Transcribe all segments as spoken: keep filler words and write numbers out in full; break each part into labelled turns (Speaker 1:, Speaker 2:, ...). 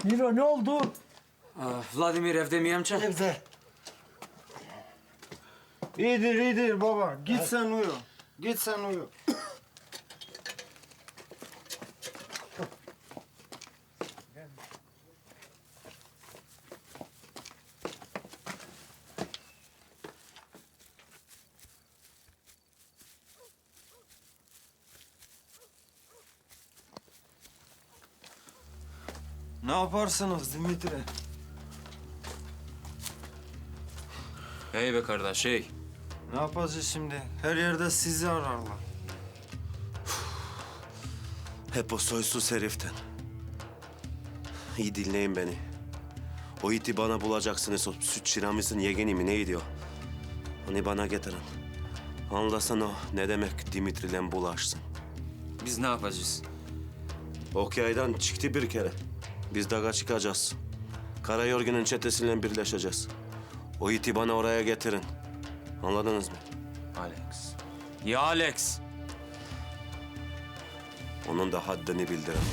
Speaker 1: Miro ne oldu?
Speaker 2: Aa, Vladimir evde mi amca?
Speaker 1: Evde.
Speaker 3: İyidir iyidir baba. Git sen uyu. Git sen uyu. Ne yaparsınız Dimitri?
Speaker 2: Hey be kardeş hey.
Speaker 3: Ne yapacağız şimdi? Her yerde sizi ararlar.
Speaker 4: Hep o soysuz heriften. İyi dinleyin beni. O iti bana bulacaksınız. O süt şiramısın yegeni mi neydi o? Onu bana getirin. Anlasana o ne demek Dimitri'yle bulaşsın.
Speaker 2: Biz ne yapacağız?
Speaker 4: Okyay'dan çıktı bir kere. Biz dağa çıkacağız. Karayorgun'un çetesiyle birleşeceğiz. O iti bana oraya getirin. Anladınız mı?
Speaker 2: Alex. Ya Alex.
Speaker 4: Onun da haddini bildirin.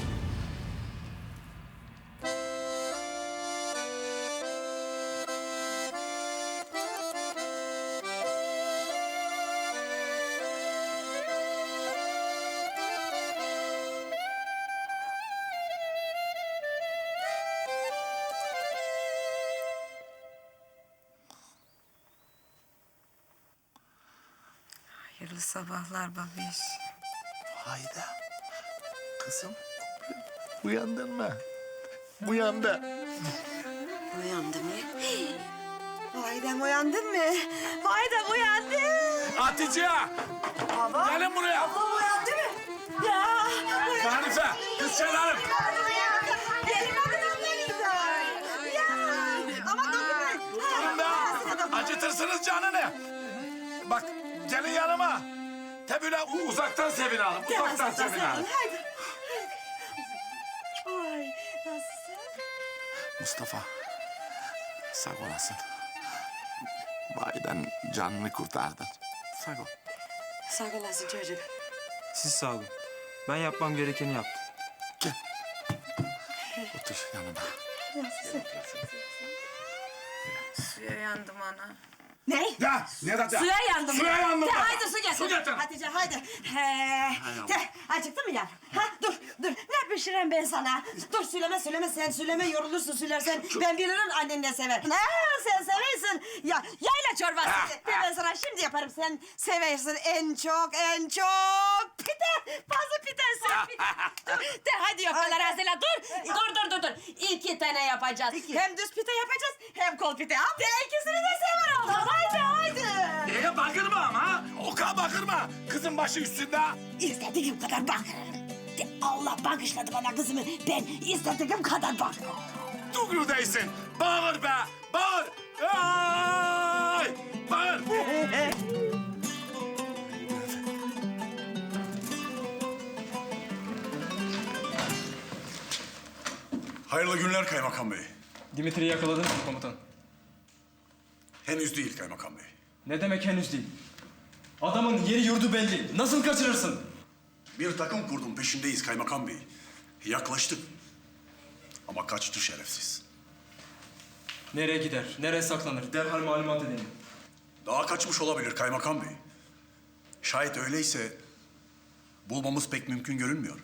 Speaker 5: Hayırlı sabahlar babiş.
Speaker 1: Hayda. Kızım uyandın mı? Uyandı.
Speaker 5: Uyandı mı? Haydan uyandın mı? Haydan uyandı.
Speaker 6: Hatice!
Speaker 5: Baba.
Speaker 6: Gelin buraya!
Speaker 5: Baba uyandı mı? Ya. Uyandı.
Speaker 6: Hanife! Kız Şenarım!
Speaker 5: Gelin bakın beni. Ya. Ama dokunmayın.
Speaker 6: Durun be! Acıtırsınız canını! Bak gelin yanıma. Te böyle u- uzaktan sevin hanım. Uzaktan sevin hanım.
Speaker 5: Hadi. Ay nasılsın?
Speaker 7: Mustafa, sağ olasın. Bayiden canını kurtardın. Sağ ol.
Speaker 5: Sağ olasın çocuk.
Speaker 8: Siz sağ olun. Ben yapmam gerekeni yaptım.
Speaker 7: Gel. Otur yanıma.
Speaker 5: Suya yandım ana. Ne?
Speaker 6: Ya ne de
Speaker 5: Suya yandım.
Speaker 6: Suya yandım.
Speaker 5: De,
Speaker 6: ben.
Speaker 5: haydi su getir.
Speaker 6: Su getir.
Speaker 5: Hatice haydi. He. De, acıktın mı ya? Ha dur dur. Ne pişireyim ben sana? Dur söyleme söyleme sen söyleme yorulursun söylersen. Ben bilirim annen ne sever. Ha sen seversin. Ya yayla çorbası. De, ben sana şimdi yaparım. Sen seversin en çok en çok. Pide. Fazla pide sen pide. Dur, de hadi yufkaları hazırla. Dur. Dur dur dur dur. İki tane yapacağız. Hem düz pide yapacağız hem kol pide. De ikisini de sever oğlum. Haydi haydi.
Speaker 6: Neye bakırma ama? Oka bakırma. Kızın başı üstünde.
Speaker 5: İstediğim kadar bakarım. De Allah bağışladı bana kızımı. Ben istediğim kadar bakarım.
Speaker 6: Dugru değilsin. Bağır be. Bağır. Ay! Bağır.
Speaker 9: Hayırlı günler Kaymakam Bey.
Speaker 8: Dimitri'yi yakaladınız mı komutan?
Speaker 9: Henüz değil Kaymakam Bey.
Speaker 8: Ne demek henüz değil? Adamın yeri yurdu belli. Nasıl kaçırırsın?
Speaker 9: Bir takım kurdum peşindeyiz Kaymakam Bey. Yaklaştık. Ama kaçtı şerefsiz.
Speaker 8: Nereye gider? Nereye saklanır? Derhal malumat edelim.
Speaker 9: Daha kaçmış olabilir Kaymakam Bey. Şayet öyleyse bulmamız pek mümkün görünmüyor.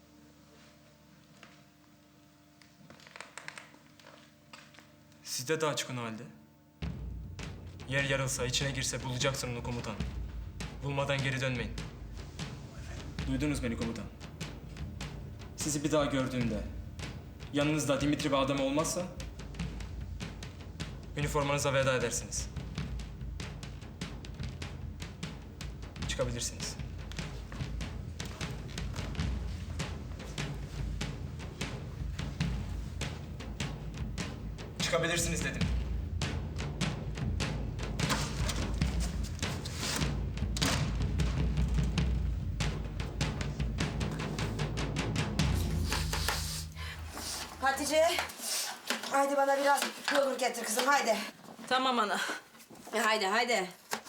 Speaker 8: Siz de daha çıkın o halde. Yer yarılsa, içine girse bulacaksın onu komutan. Bulmadan geri dönmeyin. Duydunuz beni komutan. Sizi bir daha gördüğümde yanınızda Dimitri bir adam olmazsa üniformanıza veda edersiniz. Çıkabilirsiniz. Çıkabilirsiniz dedim.
Speaker 5: Hatice. Haydi bana biraz yoğurt getir kızım haydi.
Speaker 10: Tamam ana.
Speaker 5: E, haydi haydi.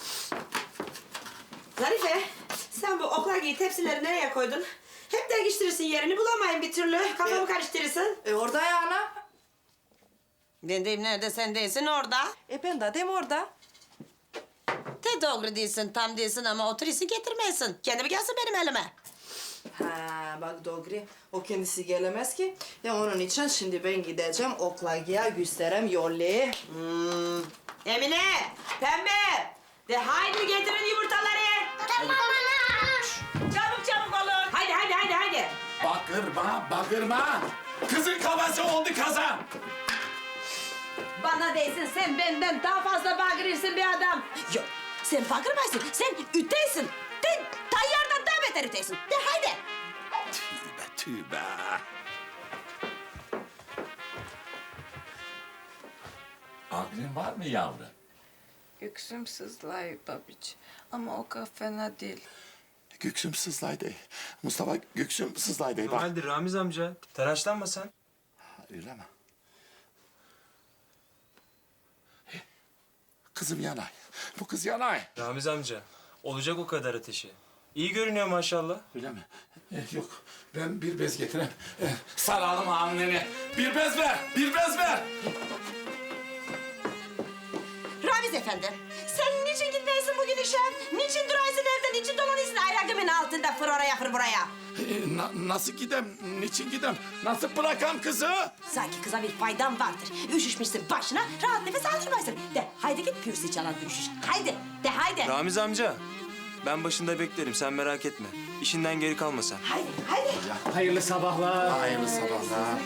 Speaker 5: Zarife sen bu oklagi tepsileri nereye koydun? Hep değiştirirsin yerini bulamayın bir türlü. Kafamı karıştırırsın.
Speaker 10: E orada ya ana.
Speaker 5: Ben deyim nerede, sen değilsin orada.
Speaker 10: E ben de dem orada.
Speaker 5: De doğru değilsin, tam değilsin ama oturisi getirmeyesin. Kendimi gelsin benim elime.
Speaker 10: Ha bak doğru. O kendisi gelemez ki. De onun için şimdi ben gideceğim oklagiye gösterem yollayı.
Speaker 5: Hmm. Emine, Pembe. De haydi getirin yumurtaları.
Speaker 6: Tamam.
Speaker 5: Çabuk çabuk olun. Haydi haydi haydi haydi.
Speaker 6: Bakırma, bakırma. Kızın kafası oldu kazan.
Speaker 5: Bana değilsin, sen benden daha fazla bağırırsın bir adam. Yok, sen bağırmazsın, sen ütteysin. De tayyardan daha beter ütteysin. De haydi.
Speaker 6: Tübe tübe. Aklın var mı yavrum?
Speaker 11: Yüksüm sızlay babiç. Ama o kadar fena değil.
Speaker 7: Göksüm sızlaydı. Mustafa göksüm sızlaydı. Bak.
Speaker 8: Halde Ramiz amca. Telaşlanma sen.
Speaker 7: Öyle mi? Kızım yanay. Bu kız yanay.
Speaker 8: Ramiz amca. Olacak o kadar ateşi. İyi görünüyor maşallah.
Speaker 7: Öyle mi?
Speaker 6: Eh, yok, ben bir bez getireyim. Eh, saralım anneni. Bir bez ver, bir bez ver.
Speaker 5: Ramiz efendi, sen niçin gitmeyesin bugün işe? Niçin duraysın evde, niçin dolanıyorsun ayakımın altında fır oraya fır buraya?
Speaker 6: Eh, na- nasıl gidem, niçin gidem? Nasıl bırakam kızı?
Speaker 5: Sanki kıza bir faydan vardır. Üşüşmüşsün başına, rahat nefes aldırmaysın. De haydi git pürsi çalan üşüş. Haydi, de haydi.
Speaker 8: Ramiz amca. Ben başında beklerim sen merak etme. İşinden geri kalma sen.
Speaker 5: Haydi, haydi.
Speaker 6: Hayırlı sabahlar.
Speaker 7: Hayırlı sabahlar.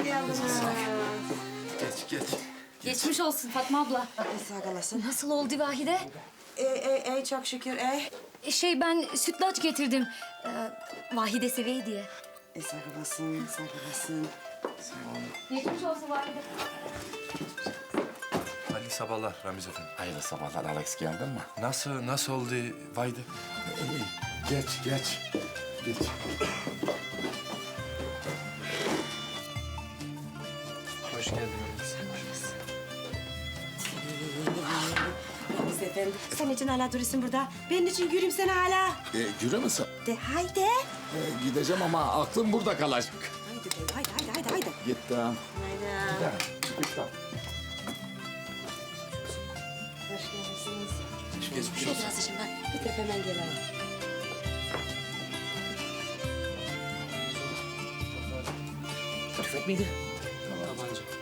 Speaker 6: Geç, geç.
Speaker 12: Geçmiş olsun Fatma abla.
Speaker 5: Sağ olasın.
Speaker 12: Nasıl oldu Vahide?
Speaker 5: Ey, ey, ey çok şükür, ey.
Speaker 12: Şey ben sütlaç getirdim. Ee, Vahide seviye diye.
Speaker 5: E, sağ olasın, sağ olasın.
Speaker 12: Geçmiş olsun Vahide.
Speaker 13: Hayırlı sabahlar Ramiz Efendi.
Speaker 7: Hayırlı sabahlar Alex, geldin mi?
Speaker 13: Nasıl, nasıl oldu Vayde?
Speaker 7: İyi. Geç, geç. Geç.
Speaker 8: Hoş geldin.
Speaker 5: Ramiz efendi, sen için hala duruyorsun burada. Benim için yürüyeyim sen hala.
Speaker 7: E, yürü müsün?
Speaker 5: De haydi.
Speaker 7: E, gideceğim ama aklım burada kalacak.
Speaker 5: Haydi, de, haydi, haydi, haydi, haydi.
Speaker 7: Gittim.
Speaker 5: Haydi.
Speaker 7: Gittim.
Speaker 5: Hoş geldiniz.
Speaker 13: Geçmiş
Speaker 5: Şöyle biraz işim var. Bir hemen gelelim.
Speaker 8: Tabanca.